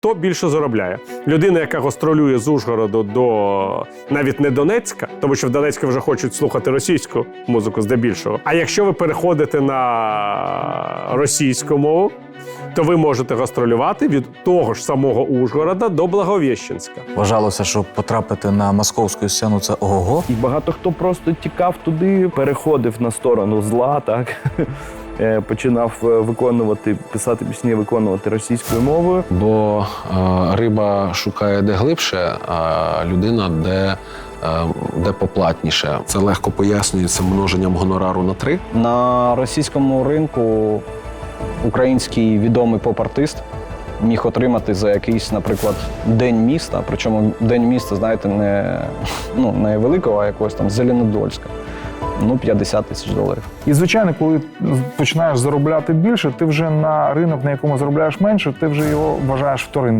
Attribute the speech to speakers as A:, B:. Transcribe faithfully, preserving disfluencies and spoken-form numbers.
A: хто більше заробляє. Людина, яка гастролює з Ужгороду до навіть не Донецька, тому що в Донецьку вже хочуть слухати російську музику здебільшого. А якщо ви переходите на російську мову, то ви можете гастролювати від того ж самого Ужгорода до Благовіщенська.
B: Вважалося, що потрапити на московську сцену – це ого.
C: І багато хто просто тікав туди, переходив на сторону зла, так? Е, починав виконувати, писати пісні, виконувати російською мовою.
D: Бо е, риба шукає де глибше, а людина де, е, де поплатніше. Це легко пояснюється множенням гонорару на три.
E: На російському ринку український відомий поп-артист міг отримати за якийсь, наприклад, день міста, причому день міста, знаєте, не, ну, не великого, а якогось там Зеленодольська. Ну, п'ятдесят тисяч доларів.
F: І, звичайно, коли починаєш заробляти більше, ти вже на ринок, на якому заробляєш менше, ти вже його вважаєш вторинним.